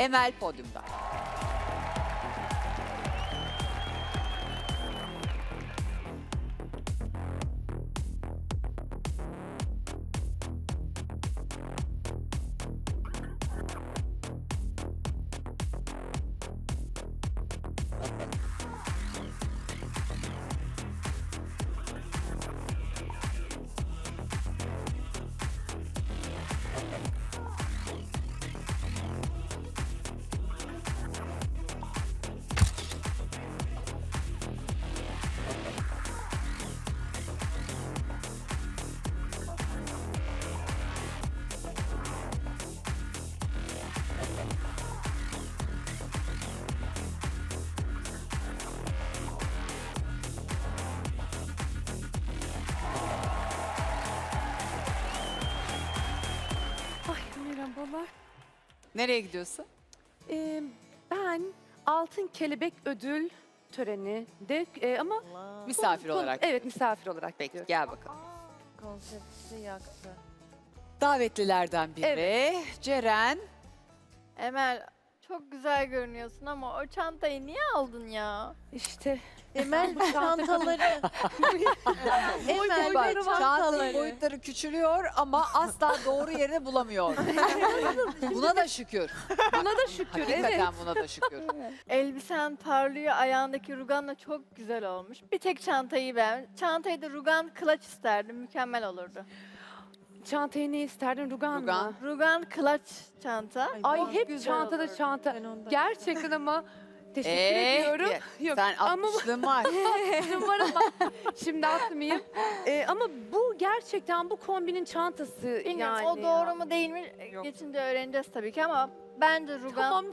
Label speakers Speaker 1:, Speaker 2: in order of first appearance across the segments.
Speaker 1: Emel podyumda.
Speaker 2: Ay merhabalar.
Speaker 1: Nereye gidiyorsun?
Speaker 2: Ben Altın Kelebek Ödül töreninde ama
Speaker 1: Misafir olarak.
Speaker 2: Evet, misafir olarak
Speaker 1: Peki
Speaker 2: gidiyorum.
Speaker 1: gel bakalım.
Speaker 3: Konsepti yaktı.
Speaker 1: Davetlilerden biri Ceren.
Speaker 4: Emel çok güzel görünüyorsun ama o çantayı niye aldın ya?
Speaker 2: İşte
Speaker 3: Emel çantaları. Emel
Speaker 1: Bak,
Speaker 3: benim
Speaker 1: çantanın
Speaker 3: çantaları.
Speaker 1: boyutları küçülüyor ama asla doğru yerini bulamıyor. Buna da şükür.
Speaker 2: buna da şükür.
Speaker 1: Hakikaten
Speaker 2: Evet.
Speaker 1: buna da şükür.
Speaker 4: Elbisen parlıyor, ayağındaki ruganla çok güzel olmuş. Bir tek çantayı ben. Çantayı da rugan clutch isterdim, mükemmel olurdu.
Speaker 2: Çantayı ne isterdin? Rugan,
Speaker 1: Rugan.
Speaker 2: mı?
Speaker 4: Rugan clutch çanta.
Speaker 2: Ay
Speaker 4: çok
Speaker 2: hep
Speaker 4: güzel
Speaker 2: çantada
Speaker 4: olurdu.
Speaker 2: çanta.
Speaker 3: Ben ondan.
Speaker 2: Gerçekten ama teşekkür ediyorum. Yok
Speaker 1: Sen
Speaker 2: ama
Speaker 1: 60'lığın var.
Speaker 2: var ama şimdi atmayayım. Ama bu gerçekten bu kombinin çantası
Speaker 4: Bilmiyorum
Speaker 2: yani.
Speaker 4: o doğru mu değil mi
Speaker 2: Yok.
Speaker 4: geçince öğreneceğiz tabii ki ama bence rugan.
Speaker 2: Tamam.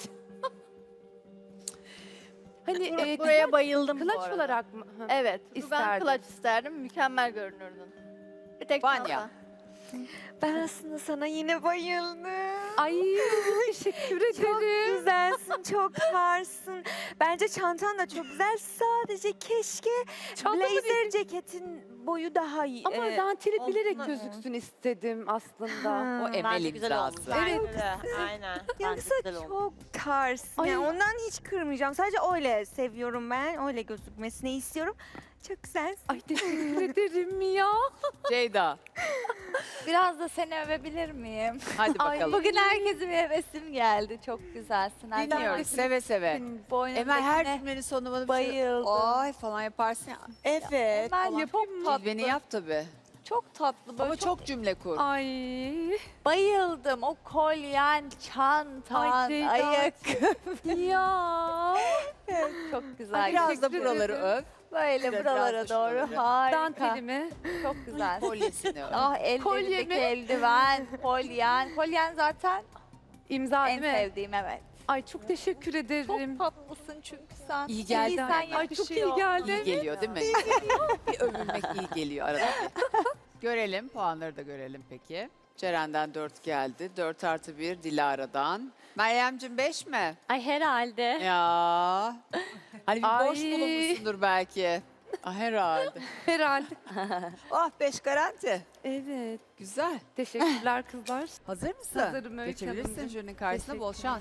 Speaker 2: Hani
Speaker 4: Buraya bayıldım bu
Speaker 2: Clutch
Speaker 4: arada.
Speaker 2: olarak mı? Hı.
Speaker 4: Evet, rugan
Speaker 2: İsterdim.
Speaker 4: clutch isterdim, mükemmel görünürdün. Bir tek
Speaker 1: Vanya.
Speaker 4: çanta.
Speaker 5: Ben aslında sana yine bayıldım.
Speaker 2: Ay teşekkür
Speaker 5: Çok
Speaker 2: ederim.
Speaker 5: güzelsin, çok tarsın. Bence çantan da çok güzel. Sadece keşke
Speaker 2: Çanta mı
Speaker 5: blazer ceketin boyu daha iyi.
Speaker 2: Ama danteli bilerek
Speaker 5: omzuna-
Speaker 2: gözüksün istedim aslında.
Speaker 1: O Emel
Speaker 3: Bence güzel olmuş.
Speaker 1: imzası.
Speaker 3: Bence de, aynen. Bence
Speaker 5: Yoksa
Speaker 3: güzel olmuş.
Speaker 5: çok tarsın.
Speaker 2: Ay.
Speaker 5: Yani ondan hiç kırmayacağım. Sadece öyle seviyorum ben. Öyle gözükmesini istiyorum. Çok güzelsin.
Speaker 2: Ay teşekkür ederim ya.
Speaker 1: Ceyda.
Speaker 6: Biraz da seni övebilir miyim?
Speaker 1: Hadi bakalım.
Speaker 6: Bugün herkesin bir hevesim geldi. Çok güzelsin.
Speaker 1: Dinliyoruz seve seve. Emel her cümlenin sonuna bana bir şey
Speaker 6: bayıldım.
Speaker 1: ay falan yaparsın ya.
Speaker 5: Evet.
Speaker 6: Emel çok tatlı.
Speaker 1: Cilveni yap tabii.
Speaker 6: Çok tatlı. Böyle
Speaker 1: Ama çok cümle kur.
Speaker 2: Ay.
Speaker 6: bayıldım. O kolyen, çantan,
Speaker 2: Ay Ceyda.
Speaker 6: ayakkabı.
Speaker 2: Ya.
Speaker 6: Çok güzel.
Speaker 2: Ay,
Speaker 1: Biraz da
Speaker 2: teşekkür
Speaker 1: buraları
Speaker 2: ederim.
Speaker 1: öv.
Speaker 6: Böyle
Speaker 1: biraz
Speaker 6: buralara
Speaker 1: da şuraları.
Speaker 6: doğru. Harika.
Speaker 2: Dantelimi.
Speaker 6: Çok güzel.
Speaker 1: Kolyesini öv.
Speaker 6: Ah ellerindeki
Speaker 2: Kolyemi.
Speaker 6: eldiven, kolyen. Kolyen zaten
Speaker 2: İmza
Speaker 6: en
Speaker 2: değil mi?
Speaker 6: sevdiğim, evet.
Speaker 2: Ay çok teşekkür ederim.
Speaker 6: Çok tatlısın çünkü sen.
Speaker 1: İyi geldi
Speaker 6: sen
Speaker 1: ama.
Speaker 2: Ay çok iyi
Speaker 6: yakışıyor.
Speaker 2: geldi.
Speaker 1: İyi geliyor değil mi? Bir övülmek iyi geliyor arada. Görelim, puanları da görelim peki. Ceren'den 4 geldi. 4+1 Dilara'dan. Meryem'cim 5 mi?
Speaker 6: Ay herhalde.
Speaker 1: Ya. Hani bir boş
Speaker 2: Ay.
Speaker 1: bulunmuşsundur belki. Ah, herhalde.
Speaker 2: Herhalde.
Speaker 1: Ah 5 garanti.
Speaker 2: Evet.
Speaker 1: Güzel.
Speaker 2: Teşekkürler kızlar.
Speaker 1: Hazır mısın?
Speaker 2: Hazırım Öykü
Speaker 1: Geçebilirsin
Speaker 2: Hanımcığım.
Speaker 1: jürinin karşısına, bol
Speaker 2: Teşekkürler.
Speaker 1: şans.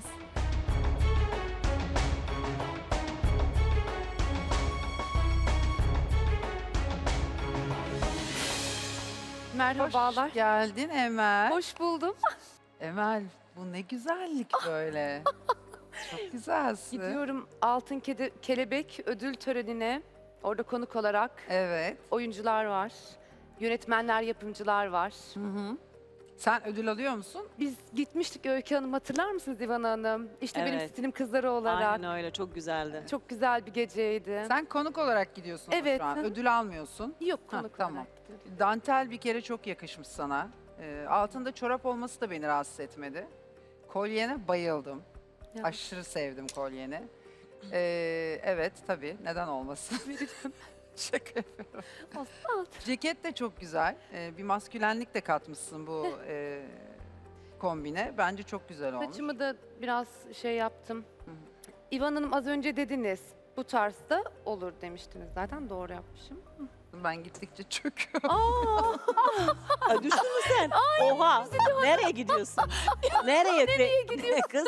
Speaker 2: Merhabalar.
Speaker 7: Hoş geldin Emel.
Speaker 2: Hoş buldum.
Speaker 7: Emel bu ne güzellik böyle. Çok güzelsin.
Speaker 2: Gidiyorum Altın Kelebek ödül törenine. Orada konuk olarak
Speaker 7: Evet.
Speaker 2: oyuncular var. Yönetmenler, yapımcılar var.
Speaker 7: Hı hı. Sen ödül alıyor musun?
Speaker 2: Biz gitmiştik Öykü Hanım, hatırlar mısınız İvan Hanım? İşte benim
Speaker 8: Evet.
Speaker 2: stilim kızları olarak.
Speaker 8: Aynen öyle, çok güzeldi.
Speaker 2: Çok güzel bir geceydi.
Speaker 7: Sen konuk olarak gidiyorsun ama
Speaker 2: Evet.
Speaker 7: şu an. Ödül almıyorsun.
Speaker 2: Yok
Speaker 7: Ha,
Speaker 2: konuk
Speaker 7: tamam.
Speaker 2: olarak gidiyordum.
Speaker 7: Dantel bir kere çok yakışmış sana. Altında çorap olması da beni rahatsız etmedi. Kolyene bayıldım.
Speaker 2: Ya.
Speaker 7: Aşırı sevdim kolyeni. Evet tabii, neden olmasın. Şaka yapıyorum. Ceket de çok güzel. Bir maskülenlik de katmışsın bu kombine. Bence çok güzel olmuş.
Speaker 2: Saçımı da biraz şey yaptım.
Speaker 7: Hı.
Speaker 2: İvan Hanım az önce dediniz bu tarzda olur demiştiniz zaten, doğru yapmışım.
Speaker 7: Ben gittikçe çöküyor.
Speaker 8: Ay, düştün mü sen? Oha. Nereye gidiyorsun? Nereye gidiyorsun? Kız.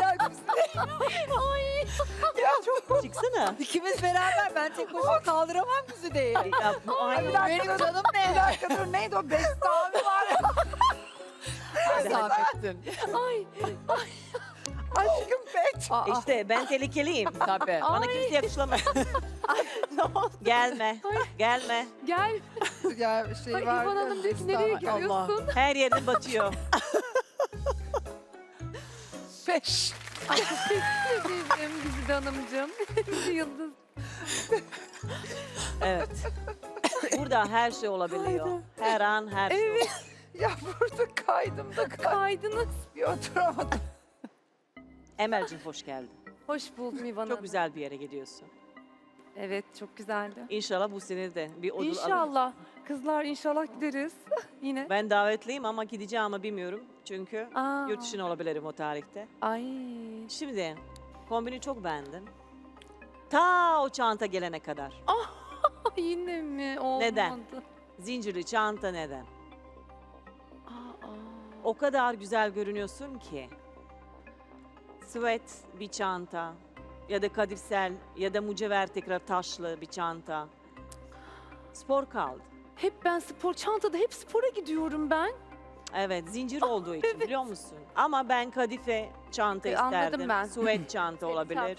Speaker 7: Ya çok
Speaker 8: Çıksana.
Speaker 1: İkimiz beraber ben tek başıma kaldıramam Güzide'yi.
Speaker 8: Ya, bu aynı.
Speaker 1: Benim canım ne?
Speaker 7: bir dakika dur neydi o Beste abi var ya.
Speaker 1: Zahmettin.
Speaker 7: Aşkım bet.
Speaker 8: İşte ben tehlikeliyim.
Speaker 1: Tabii.
Speaker 8: Bana kimse yakışlamaz. Gelme. Gelme.
Speaker 2: Gel.
Speaker 7: Ya şey
Speaker 2: Ay,
Speaker 7: var.
Speaker 2: İvan
Speaker 7: ya,
Speaker 2: Hanım diyor ki
Speaker 7: Beste
Speaker 2: nereye
Speaker 7: abi. Allah.
Speaker 2: gidiyorsun?
Speaker 8: Her yerin batıyor.
Speaker 7: 5.
Speaker 2: Teşekkür ederim Güzide Hanımcığım. Yıldız.
Speaker 8: Evet. Burada her şey olabiliyor. Her an her şey.
Speaker 7: Ya burada kaydım da
Speaker 2: Kaydınız.
Speaker 7: bir oturamadım.
Speaker 8: Emel'cim hoş geldin.
Speaker 2: Hoş buldum İvan Hanım.
Speaker 8: Çok güzel bir yere gidiyorsun.
Speaker 2: Evet çok güzeldi.
Speaker 8: İnşallah bu sene de bir ödül alırız.
Speaker 2: İnşallah. Kızlar inşallah gideriz. Yine.
Speaker 8: Ben davetliyim ama gideceğim ama bilmiyorum. Çünkü
Speaker 2: Aa.
Speaker 8: yurt dışına olabilirim o tarihte.
Speaker 2: Ay.
Speaker 8: Şimdi kombini çok beğendim. Ta o çanta gelene kadar.
Speaker 2: Yine mi? Olmadı.
Speaker 8: Neden? Zincirli çanta neden?
Speaker 2: Aa.
Speaker 8: O kadar güzel görünüyorsun ki. Sweat bir çanta ya da kadifsel ya da mücevher tekrar taşlı bir çanta. Spor kaldı.
Speaker 2: Hep ben spor çantada hep spora gidiyorum ben.
Speaker 8: Evet zincir olduğu için biliyor musun? Ama ben kadife çanta
Speaker 2: Anladım
Speaker 8: isterdim.
Speaker 2: ben.
Speaker 8: Sweat çanta olabilir.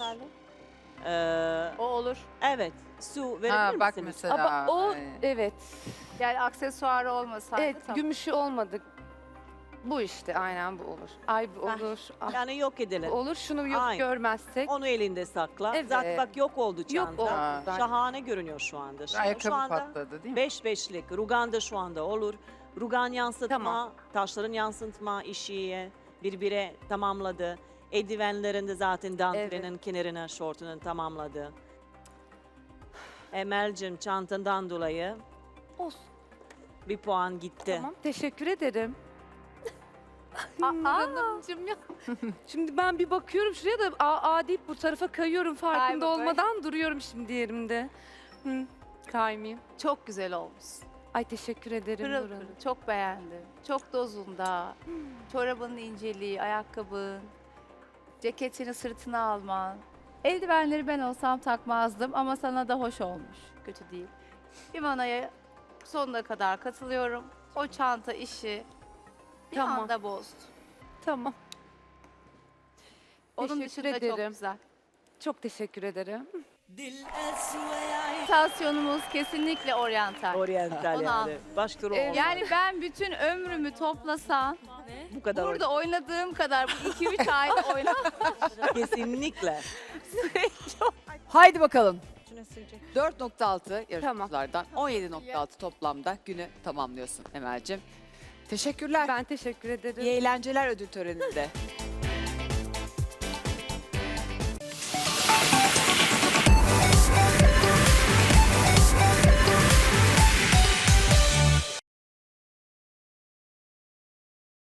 Speaker 6: O olur.
Speaker 8: Evet. Su verebilir
Speaker 7: Ha bak
Speaker 8: misiniz?
Speaker 7: mesela.
Speaker 2: Ama o
Speaker 7: Ay.
Speaker 2: evet.
Speaker 6: Yani aksesuarı olmasaydı
Speaker 2: Evet
Speaker 6: tamam.
Speaker 2: gümüşü olmadı. Bu işte aynen bu olur. Ay bu olur. Ah,
Speaker 8: Yani yok
Speaker 2: bu
Speaker 8: edelim.
Speaker 2: olur. Şunu yok
Speaker 8: Aynen.
Speaker 2: görmezsek.
Speaker 8: Onu elinde sakla.
Speaker 2: Evet.
Speaker 8: Zaten bak yok oldu
Speaker 2: Yok
Speaker 8: çanta.
Speaker 2: oldu.
Speaker 7: Ha.
Speaker 2: zaten.
Speaker 8: Şahane görünüyor şu anda. Şu
Speaker 7: Ayakkabı
Speaker 8: anda
Speaker 7: patladı değil mi?
Speaker 8: 5-5'lik. Rugan da şu anda olur. Rugan yansıtma,
Speaker 2: Tamam.
Speaker 8: taşların yansıtma işi birbire tamamladı. Eldivenlerinde zaten dantelinin kenarına şortunun tamamladı. Emel'cim çantandan dolayı
Speaker 2: Olsun.
Speaker 8: bir puan gitti.
Speaker 2: Tamam. Teşekkür ederim. Nur Hanımcığım ya. Şimdi ben bir bakıyorum şuraya da aa deyip bu tarafa kayıyorum farkında
Speaker 6: Kayma,
Speaker 2: olmadan duruyorum şimdi yerimde. Hı, kaymayayım.
Speaker 6: Çok güzel olmuş.
Speaker 2: Ay teşekkür ederim
Speaker 6: Pırıl
Speaker 2: Nur Hanım.
Speaker 6: pırıl. Çok beğendim. Çok dozunda. Çorabının inceliği, ayakkabın, ceketini sırtına alman. Eldivenleri ben olsam takmazdım ama sana da hoş olmuş. Kötü değil. İvana'ya sonuna kadar katılıyorum. O çanta işi bir
Speaker 2: Tamam.
Speaker 6: anda bozdu.
Speaker 2: Tamam.
Speaker 6: Onun
Speaker 2: Teşekkür
Speaker 6: dışında çok
Speaker 2: ederim.
Speaker 6: güzel.
Speaker 2: Çok teşekkür ederim.
Speaker 6: Stasyonumuz kesinlikle oryantal.
Speaker 8: Oriental
Speaker 6: Ona-
Speaker 8: yani. Başka rol olmaz.
Speaker 6: Yani ben bütün ömrümü toplasan
Speaker 8: bu kadar
Speaker 6: burada oynadığım kadar bu 2-3 ayda oynam.
Speaker 8: kesinlikle.
Speaker 1: Haydi bakalım. 4.6 yarışmacılardan 17.6 toplamda günü tamamlıyorsun Emel'cim. Teşekkürler.
Speaker 2: Ben teşekkür ederim.
Speaker 1: İyi eğlenceler ödül töreninde.